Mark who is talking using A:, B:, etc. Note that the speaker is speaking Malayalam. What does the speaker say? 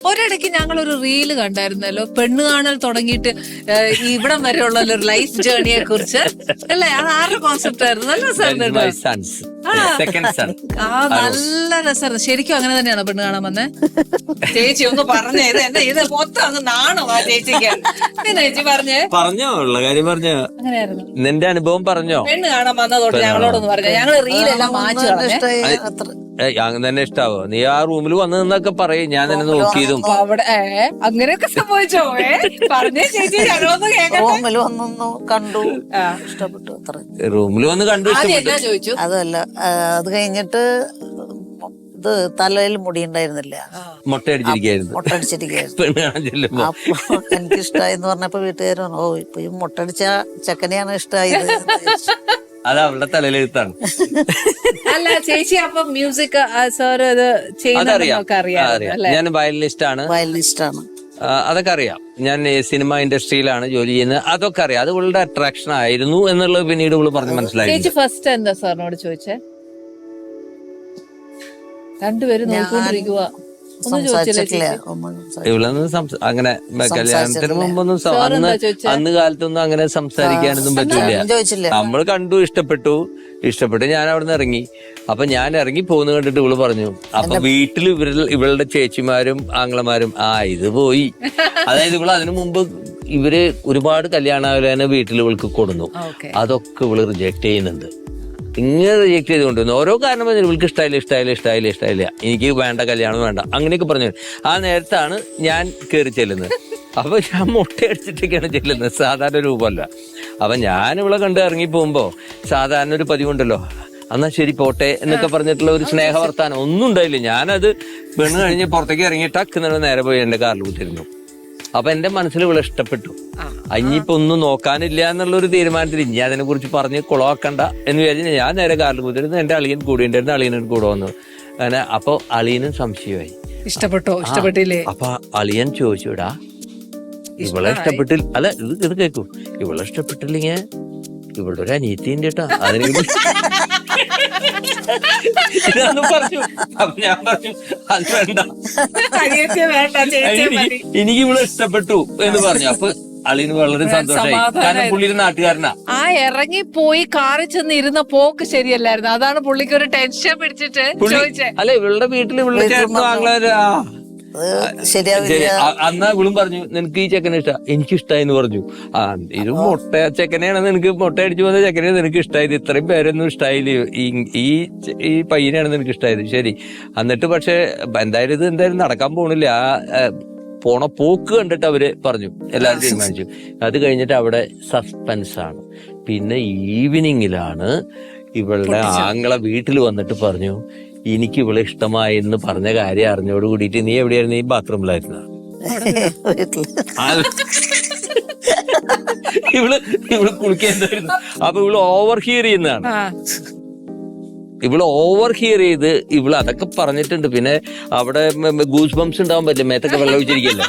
A: ഒരിടയ്ക്ക് ഞങ്ങളൊരു റീല് കണ്ടായിരുന്നല്ലോ, പെണ്ണ് കാണൽ തുടങ്ങിയിട്ട് ഇവിടം വരെയുള്ള ഒരു ലൈഫ് ജേർണിയെ കുറിച്ച് അല്ലേ? അത് ആരുടെ കോൺസെപ്റ്റ് ആയിരുന്നു? നല്ല രസമായിരുന്നു. നല്ല രസമായിരുന്നു. ശരിക്കും അങ്ങനെ തന്നെയാണോ പെണ്ണ് കാണാൻ വന്നേ? ചേച്ചി ഒന്ന് പറഞ്ഞേ, ഇത് മൊത്തം അങ്ങ് നാണോ ആ ചേച്ചിക്ക്? ചേച്ചി പറഞ്ഞോ
B: ഉള്ള കാര്യം പറഞ്ഞോ.
A: അങ്ങനെയായിരുന്നു
B: നിന്റെ അനുഭവം പറഞ്ഞോ?
A: പെണ്ണ് കാണാൻ വന്നതോട്ട് ഞങ്ങളോടൊന്ന് പറഞ്ഞു. ഞങ്ങള് റീലെല്ലാം മാറ്റി
B: അങ്ങനെ തന്നെ ഇഷ്ടാവോ? നീ ആ റൂമിൽ വന്നു നിന്നൊക്കെ പറയും, ഞാൻ തന്നെ നോക്കിയതും.
A: അവിടെ അങ്ങനെയൊക്കെ സംഭവിച്ചോ? പറഞ്ഞേ ചേച്ചി, ഞങ്ങളൊന്ന്
C: റൂമിൽ വന്നു കണ്ടു, ഇഷ്ടപ്പെട്ടു. അത്ര
B: റൂമിൽ വന്ന് കണ്ടു
A: ചോദിച്ചു.
C: അതല്ല, അത് കഴിഞ്ഞിട്ട് ഇത് തലയിൽ മുടി ഉണ്ടായിരുന്നില്ല,
B: മുട്ടയടിച്ചിരിക്കായിരുന്നു.
C: അപ്പൊ എനിക്കിഷ്ടായെന്ന് പറഞ്ഞപ്പോ വീട്ടുകാർ ഓ ഇപ്പൊ ഈ മുട്ടടിച്ച ചെക്കനെയാണ് ഇഷ്ടായത്.
B: അത് അവളുടെ തലയിലെഴുത്താണ്.
A: അല്ല ചേച്ചി, അപ്പൊ മ്യൂസിക് സാർ അത് ചെയ്യുന്നതൊക്കെ അറിയാം.
B: ഞാൻ വയലിനിസ്റ്റാണ്. അതൊക്കെ അറിയാം. ഞാൻ സിനിമ ഇൻഡസ്ട്രിയിലാണ് ജോലി ചെയ്യുന്നത്. അതൊക്കെ അറിയാം. അത് ഇവളുടെ അട്രാക്ഷൻ ആയിരുന്നു എന്നുള്ളത് പിന്നീട് ഇവള് പറഞ്ഞ് മനസ്സിലായി.
A: ചേച്ചി ഫസ്റ്റ് എന്താ സാറിനോട് ചോദിച്ചേ? രണ്ടുപേരും നോക്കിക്കൊണ്ടിരിക്കുക.
B: ഇവളൊന്നും അങ്ങനെ കല്യാണത്തിന് മുമ്പൊന്നും അന്ന് കാലത്തൊന്നും അങ്ങനെ സംസാരിക്കാനൊന്നും പറ്റില്ല. നമ്മൾ കണ്ടു, ഇഷ്ടപ്പെട്ടു ഞാൻ അവിടെ നിന്ന് ഇറങ്ങി. അപ്പൊ ഞാൻ ഇറങ്ങി പോകുന്ന കണ്ടിട്ട് ഇവള് പറഞ്ഞു. അപ്പൊ വീട്ടിൽ ഇവളുടെ ചേച്ചിമാരും ആങ്ങളമാരും ഇത് പോയി. അതായത് ഇവള് അതിനു മുമ്പ് ഇവര് ഒരുപാട് കല്യാണാലോചന വീട്ടിൽ ഇവൾക്ക് കൊടുന്നു. അതൊക്കെ ഇവള് റിജക്ട് ചെയ്യുന്നുണ്ട്. ഇങ്ങനെ റിജക്ട് ചെയ്തുകൊണ്ടിരുന്നു. ഓരോ കാരണം പറഞ്ഞു, ഇവൾക്ക് ഇഷ്ടമായില്ല, എനിക്ക് വേണ്ട, കല്യാണം വേണ്ട, അങ്ങനെയൊക്കെ പറഞ്ഞു. ആ നേരത്താണ് ഞാൻ കയറി ചെല്ലുന്നത്. അപ്പൊ ഞാൻ മുട്ടയടിച്ചിട്ടൊക്കെയാണ് ചെല്ലുന്നത്, സാധാരണ രൂപമല്ല. അപ്പൊ ഞാൻ ഇവളെ കണ്ട് ഇറങ്ങി പോകുമ്പോ സാധാരണ ഒരു പതിവുണ്ടല്ലോ, എന്നാ ശരി പോട്ടെ എന്നൊക്കെ പറഞ്ഞിട്ടുള്ള ഒരു സ്നേഹവർത്താനം ഒന്നും ഉണ്ടായില്ല. ഞാനത് പെണ്ണ് കഴിഞ്ഞ് പുറത്തേക്ക് ഇറങ്ങി ടക്ക് നേരെ പോയി എന്റെ കാറിൽ കുത്തിരുന്നു. അപ്പൊ എന്റെ മനസ്സിൽ ഇവളെ ഇഷ്ടപ്പെട്ടു. ഇനിയിപ്പോ ഒന്നും നോക്കാനില്ല എന്നുള്ള ഒരു തീരുമാനത്തിൽ ഇനി അതിനെ കുറിച്ച് പറഞ്ഞ് കുളമാക്കണ്ട എന്ന് വിചാരിച്ചു ഞാൻ നേരെ കാറിൽ കുത്തിരുന്നു. എന്റെ അളിയൻ കൂടി ഉണ്ടായിരുന്നു, അളിയനും കൂടെ വന്നു. അങ്ങനെ അപ്പൊ അളിയനും സംശയമായി,
A: ഇഷ്ടപ്പെട്ടില്ലേ?
B: അപ്പൊ അളിയൻ ചോദിച്ചുടാ, ഇവളെ ഇഷ്ടപ്പെട്ടില്ല, അല്ല ഇത് കേൾക്കൂ, ഇവളെ ഇഷ്ടപ്പെട്ടില്ലെങ്കിൽ ഇവളുടെ ഒരു അനിയത്തിൻ്റെ കേട്ടോ, അതിനെ ഇതാന്ന് പറഞ്ഞു. അപ്പൊ ഞാൻ പറഞ്ഞു അത് വേണ്ട, എനിക്ക് ഇവളെ ഇഷ്ടപ്പെട്ടു എന്ന് പറഞ്ഞു. അപ്പൊ അളിന് വളരെ സന്തോഷമായി, കാരണം പുള്ളിയുടെ നാട്ടുകാരനാ.
A: ആ ഇറങ്ങിപ്പോയി കാറിൽ ചെന്ന് ഇരുന്ന പോക്ക് ശരിയല്ലായിരുന്നു. അതാണ് പുള്ളിക്ക് ഒരു ടെൻഷൻ പിടിച്ചിട്ട് ചോദിച്ചേ.
B: അല്ല, ഇവളുടെ വീട്ടിൽ ഇവളുടെ ചേട്ടനും ആങ്ങളാരാ. അന്നാ ഇവളും പറഞ്ഞു, നിനക്ക് ഈ ചെക്കനെ ഇഷ്ട, എനിക്ക് ഇഷ്ടായെന്ന് പറഞ്ഞു. ഇത് മുട്ട ചെക്കനെയാണ്, നിനക്ക് മുട്ട അടിച്ചു പോകുന്ന ചെക്കനെ നിനക്ക് ഇഷ്ടായത്, ഇത്രയും പേരൊന്നും ഇഷ്ടായില്ല, ഈ പയ്യനെയാണ് നിനക്ക് ഇഷ്ടായത്. ശരി, എന്നിട്ട് പക്ഷെ എന്തായാലും നടക്കാൻ പോണില്ല. പോണ പോക്ക് കണ്ടിട്ട് അവര് പറഞ്ഞു, എല്ലാവരും തീരുമാനിച്ചു. അത് കഴിഞ്ഞിട്ട് അവിടെ സസ്പെൻസ് ആണ്. പിന്നെ ഈവനിങ്ങിലാണ് ഇവളുടെ ആങ്ങളെ വീട്ടിൽ വന്നിട്ട് പറഞ്ഞു, എനിക്ക് ഇവളെ ഇഷ്ടമായി എന്ന് പറഞ്ഞ കാര്യം അറിഞ്ഞോട് കൂടിയിട്ട് നീ എവിടെയായിരുന്നു? ഈ ബാത്റൂമിലായിരുന്നു. ഇവള് കുളിക്കേണ്ടായിരുന്നു. അപ്പൊ ഇവള് ഓവർ ഹിയർ ചെയ്യുന്നതാണ്. ഇവള് ഓവർ ഹിയർ ചെയ്ത് ഇവള് അതൊക്കെ പറഞ്ഞിട്ടുണ്ട്. പിന്നെ അവിടെ ഗൂസ് ബംസ് ഉണ്ടാവാൻ പറ്റില്ല, മേത്തൊക്കെ വെള്ളം ഒഴിച്ചിരിക്കല്ലോ.